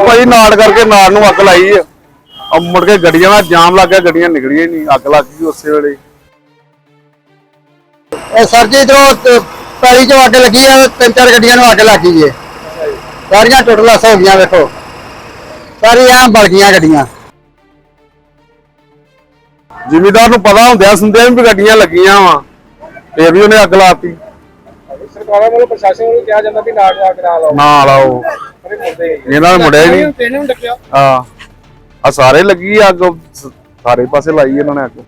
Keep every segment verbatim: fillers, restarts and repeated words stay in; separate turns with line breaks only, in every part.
ਭਾਈ ਨਾੜ ਕਰਕੇ ਨਾੜ ਨੂੰ ਅੱਗ ਲਾਈ ਆ। ਮੁੜ ਕੇ ਗੱਡੀਆਂ ਦਾ ਜਾਮ ਲੱਗ ਗਿਆ, ਗੱਡੀਆਂ ਨਿਕਲੀਆਂ ਨਹੀਂ, ਅੱਗ ਲੱਗ ਗਈ ਉਸੇ ਵੇਲੇ।
ਸਰ ਜੀ ਇਧਰੋਂ ਪੈਲੀ ਚੋਂ ਅੱਗ ਲੱਗੀ ਆ, ਤਿੰਨ ਚਾਰ ਗੱਡੀਆਂ ਨੂੰ ਅੱਗ ਲੱਗ ਗਈ ਏ। ਸਾਰੀਆਂ ਟੁੱਟਲਾਸ ਹੋ ਗਈਆਂ, ਵੇਖੋ ਸਾਰੀਆਂ ਬਲ ਗਈਆਂ ਗੱਡੀਆਂ।
ਜ਼ਿਮੀਦਾਰ ਨੂੰ ਪਤਾ ਹੁੰਦਿਆ ਸੁਣਦਿਆਂ ਵੀ ਗੱਡੀਆਂ ਲੱਗੀਆਂ ਵਾ, ਫੇਰ ਵੀ ਉਹਨੇ ਅੱਗ ਲਾਤੀ।
ਸਰਕਾਰਾਂ ਵੱਲੋਂ ਪ੍ਰਸ਼ਾਸਨ ਵੱਲੋਂ ਕਿਹਾ ਜਾਂਦਾ ਵੀ ਨਾੜ ਨੂੰ ਅੱਗ ਨਾ ਲਾਓ,
ਨਾ ਲਾਓ, ਇਹਨਾਂ ਨੇ ਮੁੜਿਆ ਹੀ ਨਹੀਂ। ਹਾਂ ਆ ਸਾਰੇ ਲੱਗੀ ਅੱਗ, ਸਾਰੇ ਪਾਸੇ ਲਾਈ ਇਹਨਾਂ ਨੇ ਅੱਗ।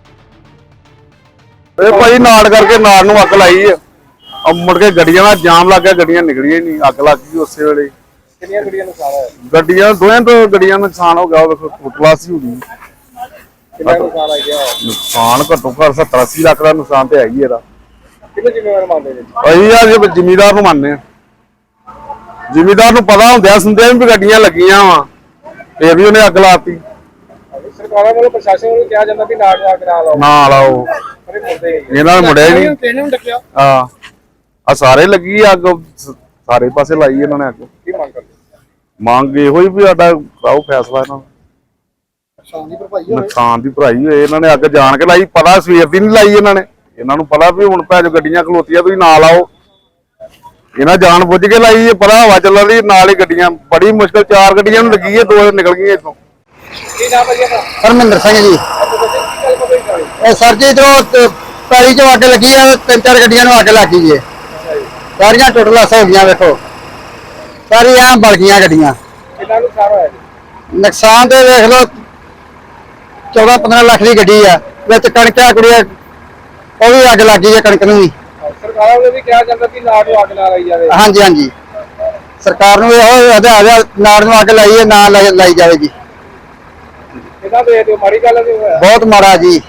ਇਹ ਭਾਈ ਨਾੜ ਕਰਕੇ ਨਾੜ ਨੂੰ ਅੱਗ ਲਾਈ ਆ। ਮੁੜ ਕੇ ਗੱਡੀਆਂ ਦਾ ਜਾਮ ਲੱਗ ਗਿਆ, ਗੱਡੀਆਂ ਨਿਕਲੀਆਂ ਨਹੀਂ, ਅੱਗ ਲੱਗ ਗਈ ਉਸੇ ਵੇਲੇ।
ਕਿੰਨੀਆਂ ਗੱਡੀਆਂ ਨੁਕਸਾਨ ਹੋਇਆ?
ਗੱਡੀਆਂ ਦੋਵੇਂ ਤੋਂ ਗੱਡੀਆਂ ਨੁਕਸਾਨ ਹੋ ਗਿਆ। ਵੇਖੋ ਫੁੱਟਲਾਸ ਹੀ ਹੋ ਗਈ।
ਕਿੰਨਾ ਨੁਕਸਾਨ ਆ ਗਿਆ?
ਨੁਕਸਾਨ ਘੱਟੋ ਘੱਟ ਸੱਤਰ ਅੱਸੀ ਲੱਖ ਦਾ ਨੁਕਸਾਨ ਤੇ ਹੈ ਹੀ ਇਹਦਾ।
ਕਿਹਨੂੰ ਜ਼ਿੰਮੇਵਾਰ ਮੰਨਦੇ ਜੀ?
ਅਸੀਂ ਆ ਜੇ ਜ਼ਿਮੀਦਾਰ ਨੂੰ ਮੰਨਦੇ ਆ। ਜ਼ਿਮੀਦਾਰ ਨੂੰ ਪਤਾ ਹੁੰਦਿਆ ਸੁਣਦਿਆਂ ਵੀ ਗੱਡੀਆਂ ਲੱਗੀਆਂ ਵਾ, ਫੇਰ ਵੀ ਉਹਨੇ ਅੱਗ ਲਾਤੀ।
ਸਰਕਾਰਾਂ ਵੱਲੋਂ ਪ੍ਰਸ਼ਾਸਨ ਵੱਲੋਂ ਕਿਹਾ ਜਾਂਦਾ ਵੀ ਨਾੜ ਨੂੰ ਅੱਗ ਨਾ ਲਾਓ,
ਨਾ ਲਾਓ, ਇਹਨਾਂ ਨੇ ਮੁੜਿਆ ਹੀ ਨਹੀਂ। ਹਾਂ ਆ ਸਾਰੇ ਲੱਗੀ ਅੱਗ, ਸਾਰੇ ਪਾਸੇ ਲਾਈ ਇਹਨਾਂ ਨੇ ਅੱਗ।
ਕੀ ਮੰਗ ਕਰਦੇ?
ਮੰਗ ਇਹੋ ਹੀ ਵੀ ਸਾਡਾ ਕਰਾਓ ਫੈਸਲਾ ਇਹਨਾਂ ਨੂੰ, ਨੁਕਸਾਨ ਦੀ ਭਰਾਈ ਹੋਏ। ਇਹਨਾਂ ਨੇ ਅੱਗ ਜਾਣ ਕੇ ਲਾਈ, ਪਤਾ ਸਵੇਰ ਦੀ ਨਹੀਂ ਲਾਈ ਇਹਨਾਂ ਨੇ। ਇਹਨਾਂ ਨੂੰ ਪਤਾ ਵੀ ਹੁਣ ਭੈਣ ਗੱਡੀਆਂ ਖਲੋਤੀਆਂ, ਤੁਸੀਂ ਨਾ ਲਾਓ। ਇਹਨਾਂ ਜਾਣ ਬੁੱਝ ਕੇ ਲਾਈ ਹੈ, ਪਤਾ ਹਵਾ ਚੱਲਣ ਦੀ ਨਾਲ ਹੀ ਗੱਡੀਆਂ, ਬੜੀ ਮੁਸ਼ਕਲ ਚਾਰ ਗੱਡੀਆਂ ਨੂੰ ਲੱਗੀ ਹੈ, ਦੋ ਨਿਕਲ ਗਈਆਂ ਇੱਥੋਂ।
ਕੀ ਨਾਮ ਹੈ ਜੀ ਆਪਣਾ?
ਹਰਮਿੰਦਰ ਸਿੰਘ ਜੀ। ਇਹ ਸਰ ਜੀ ਇਧਰੋਂ ਪੈਲੀ ਚੋਂ ਅੱਗ ਲੱਗੀ ਆ, ਤਿੰਨ ਚਾਰ ਗੱਡੀਆਂ ਨੂੰ ਅੱਗ ਲੱਗ ਗਈ ਏ। ਸਾਰੀਆਂ ਟੁੱਟਲਾਸ ਹੋ ਗਈਆਂ, ਵੇਖੋ ਸਾਰੀਆਂ ਬਲ ਗਈਆਂ ਗੱਡੀਆਂ।
ਕਿੰਨਾ ਨੁਕਸਾਨ ਹੋਇਆ ਜੀ?
ਨੁਕਸਾਨ ਤੇ ਵੇਖ ਲਓ ਚੌਦਾਂ ਪੰਦਰਾਂ ਲੱਖ ਦੀ ਗੱਡੀ ਆ, ਵਿੱਚ ਕਣਕਾਂ ਕੁੜੀਆਂ ਉਹ ਵੀ ਅੱਗ ਲੱਗ ਗਈ ਹੈ, ਕਣਕ ਨੂੰ ਵੀ।
ਸਰਕਾਰਾਂ ਵੱਲੋਂ ਵੀ ਕਿਹਾ ਜਾਂਦਾ ਕਿ ਨਾੜ ਨੂੰ ਅੱਗ ਨਾ ਲਾਈ ਜਾਵੇ।
ਹਾਂਜੀ ਹਾਂਜੀ ਸਰਕਾਰ ਨੂੰ ਇਹੋ ਹਦਾਇਤ ਨਾੜ ਨੂੰ ਅੱਗ ਲਾਈਏ, ਨਾ ਲਾਈ ਜਾਵੇ ਜੀ।
ਕਿੰਨਾ ਦੇ ਦਿਓ, ਮਾੜੀ ਗੱਲ ਨਹੀਂ ਹੋਇਆ?
ਬਹੁਤ ਮਾੜਾ ਜੀ।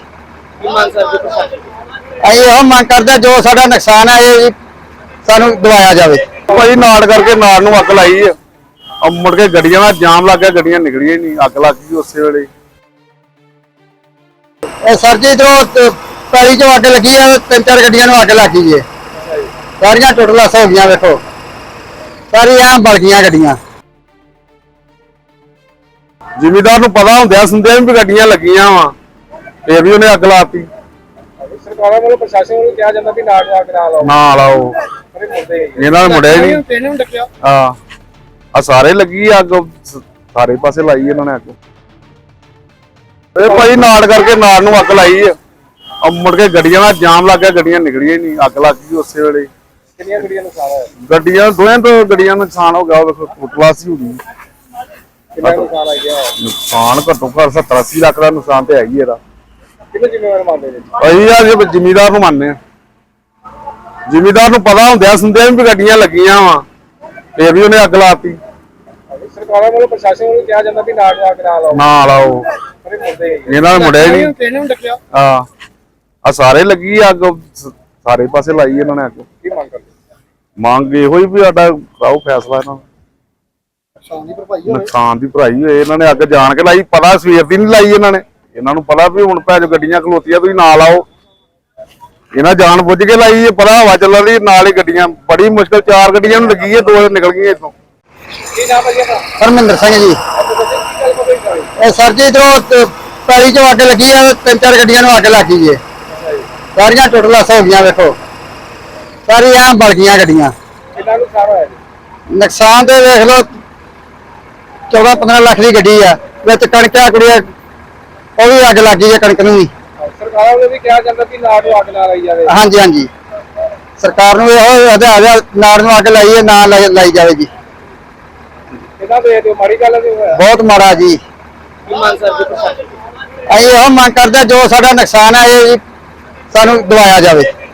ਅਸੀਂ ਇਹੋ ਮੰਗ ਕਰਦੇ ਜੋ ਸਾਡਾ ਨੁਕਸਾਨ ਹੈ ਇਹ ਸਾਨੂੰ ਦਵਾਇਆ ਜਾਵੇ।
ਭਾਈ ਨਾੜ ਕਰਕੇ ਨਾੜ ਨੂੰ ਅੱਗ ਲਾਈ ਆ। ਮੁੜ ਕੇ ਗੱਡੀਆਂ ਦਾ ਜਾਮ ਲੱਗ ਗਿਆ, ਗੱਡੀਆਂ ਨਿਕਲੀਆਂ ਨਹੀਂ, ਅੱਗ ਲੱਗ ਗਈ ਉਸੇ ਵੇਲੇ।
ਇਹ ਸਰ ਜੀ ਇਧਰੋਂ ਪੈਲੀ ਚੋਂ ਅੱਗ ਲੱਗੀ ਆ, ਤਿੰਨ ਚਾਰ ਗੱਡੀਆਂ ਨੂੰ ਅੱਗ ਲੱਗ ਗਈ ਏ। ਸਾਰੀਆਂ ਟੁੱਟਲਾਸ ਹੋ ਗਈਆਂ, ਵੇਖੋ ਸਾਰੀਆਂ ਬਲ ਗਈਆਂ ਗੱਡੀਆਂ।
ਜ਼ਿਮੀਦਾਰ ਨੂੰ ਪਤਾ ਹੁੰਦਿਆ ਸੁਣਦਿਆਂ ਵੀ ਗੱਡੀਆਂ ਲੱਗੀਆਂ ਵਾ, ਫੇਰ ਵੀ ਉਹਨੇ ਅੱਗ ਲਾਤੀ।
ਸਰਕਾਰਾਂ ਵੱਲੋਂ ਪ੍ਰਸ਼ਾਸਨ ਵੱਲੋਂ ਕਿਹਾ ਜਾਂਦਾ ਵੀ ਨਾੜ ਨੂੰ ਅੱਗ ਨਾ ਲਾਓ,
ਨਾ ਲਾਓ, ਇਹਨਾਂ ਨੇ ਮੁੜਿਆ ਹੀ ਨਹੀਂ। ਹਾਂ ਆ ਸਾਰੇ ਲੱਗੀ ਅੱਗ, ਸਾਰੇ ਪਾਸੇ ਲਾਈ ਇਹਨਾਂ ਨੇ ਅੱਗ। ਇਹ ਭਾਈ ਨਾੜ ਕਰਕੇ ਨਾੜ ਨੂੰ ਅੱਗ ਲਾਈ ਆ। ਮੁੜ ਕੇ ਗੱਡੀਆਂ ਦਾ ਜਾਮ ਲੱਗ ਗਿਆ, ਗੱਡੀਆਂ ਨਿਕਲੀਆਂ ਨਹੀਂ, ਅੱਗ ਲੱਗ ਗਈ ਉਸੇ ਵੇਲੇ।
ਕਿੰਨੀਆਂ ਗੱਡੀਆਂ ਨੁਕਸਾਨ ਹੋਇਆ?
ਗੱਡੀਆਂ ਦੋਵੇਂ ਤੋਂ ਗੱਡੀਆਂ ਨੁਕਸਾਨ ਹੋ ਗਿਆ। ਵੇਖੋ ਫੁੱਟਲਾਸ ਹੀ ਹੋ ਗਈ।
ਕਿੰਨਾ ਨੁਕਸਾਨ ਆ ਗਿਆ?
ਨੁਕਸਾਨ ਘੱਟੋ ਘੱਟ ਸੱਤਰ ਅੱਸੀ ਲੱਖ ਦਾ ਨੁਕਸਾਨ ਤੇ ਹੈ ਹੀ ਇਹਦਾ।
ਕਿਹਨੂੰ ਜ਼ਿੰਮੇਵਾਰ ਮੰਨਦੇ ਜੀ?
ਅਸੀਂ ਆ ਜੇ ਜ਼ਿਮੀਦਾਰ ਨੂੰ ਮੰਨਦੇ ਆ। ਜ਼ਿਮੀਦਾਰ ਨੂੰ ਪਤਾ ਹੁੰਦਿਆ ਸੁਣਦਿਆਂ ਵੀ ਗੱਡੀਆਂ ਲੱਗੀਆਂ ਵਾ, ਫੇਰ ਵੀ ਉਹਨੇ ਅੱਗ ਲਾਤੀ।
ਸਰਕਾਰਾਂ ਵੱਲੋਂ ਪ੍ਰਸ਼ਾਸਨ ਵੱਲੋਂ ਕਿਹਾ ਜਾਂਦਾ ਵੀ ਨਾੜ ਨੂੰ ਅੱਗ ਨਾ ਲਾਓ,
ਨਾ ਲਾਓ, ਇਹਨਾਂ ਨੇ ਮੁੜਿਆ ਹੀ ਨਹੀਂ। ਹਾਂ ਆ ਸਾਰੇ ਲੱਗੀ ਅੱਗ, ਸਾਰੇ ਪਾਸੇ ਲਾਈ ਇਹਨਾਂ ਨੇ ਅੱਗ।
ਕੀ ਮੰਗ ਕਰਦੇ?
ਮੰਗ ਇਹੋ ਹੀ ਵੀ ਸਾਡਾ ਕਰਾਓ ਫੈਸਲਾ ਇਹਨਾਂ ਨੂੰ, ਨੁਕਸਾਨ ਦੀ ਭਰਾਈ ਹੋਏ। ਇਹਨਾਂ ਨੇ ਅੱਗ ਜਾਣ ਕੇ ਲਾਈ, ਪਤਾ ਸਵੇਰ ਦੀ ਨਹੀਂ ਲਾਈ ਇਹਨਾਂ ਨੇ। ਇਹਨਾਂ ਨੂੰ ਪਤਾ ਵੀ ਹੁਣ ਭੈਣ ਗੱਡੀਆਂ ਖਲੋਤੀਆਂ, ਤੁਸੀਂ ਨਾ ਲਾਓ। ਇਹਨਾਂ ਜਾਣ ਬੁੱਝ ਕੇ ਲਾਈ ਹੈ, ਪਤਾ ਹਵਾ ਚੱਲਣ ਦੀ ਨਾਲ ਹੀ ਗੱਡੀਆਂ, ਬੜੀ ਮੁਸ਼ਕਲ ਚਾਰ ਗੱਡੀਆਂ ਨੂੰ ਲੱਗੀ ਹੈ, ਦੋ ਨਿਕਲ ਗਈਆਂ ਇੱਥੋਂ।
ਕੀ ਨਾਮ ਹੈ ਜੀ ਆਪਣਾ?
ਹਰਮਿੰਦਰ ਸਿੰਘ ਜੀ। ਇਹ ਸਰ ਜੀ ਇਧਰੋਂ ਪੈਲੀ ਚੋਂ ਅੱਗ ਲੱਗੀ ਆ, ਤਿੰਨ ਚਾਰ ਗੱਡੀਆਂ ਨੂੰ ਅੱਗ ਲੱਗ ਗਈ ਏ। ਸਾਰੀਆਂ ਟੁੱਟਲਾਸ ਹੋ ਗਈਆਂ, ਵੇਖੋ ਸਾਰੀਆਂ ਬਲ ਗਈਆਂ ਗੱਡੀਆਂ।
ਕਿੰਨਾ ਨੁਕਸਾਨ ਹੋਇਆ ਜੀ?
ਨੁਕਸਾਨ ਤੇ ਵੇਖ ਲਓ ਚੌਦਾਂ ਪੰਦਰਾਂ ਲੱਖ ਦੀ ਗੱਡੀ ਆ, ਵਿੱਚ ਕਣਕਾਂ ਕੁੜੀਆਂ ਉਹ ਵੀ ਅੱਗ ਲੱਗ ਗਈ ਹੈ, ਕਣਕ ਨੂੰ ਵੀ।
ਸਰਕਾਰਾਂ ਵੱਲੋਂ ਵੀ ਕਿਹਾ ਜਾਂਦਾ ਕਿ ਨਾੜ ਨੂੰ ਅੱਗ ਨਾ ਲਾਈ ਜਾਵੇ।
ਹਾਂਜੀ ਹਾਂਜੀ ਸਰਕਾਰ ਨੂੰ ਇਹੋ ਹਦਾਇਤ ਨਾੜ ਨੂੰ ਅੱਗ ਲਾਈਏ, ਨਾ ਲਾਈ ਜਾਵੇ ਜੀ।
ਕਿੰਨਾ ਦੇ ਦਿਓ, ਮਾੜੀ ਗੱਲ ਨਹੀਂ ਹੋਇਆ?
ਬਹੁਤ ਮਾੜਾ ਜੀ। ਅਸੀਂ ਇਹੋ ਮੰਗ ਕਰਦੇ ਜੋ ਸਾਡਾ ਨੁਕਸਾਨ ਹੈ ਇਹ ਸਾਨੂੰ ਦਵਾਇਆ ਜਾਵੇ।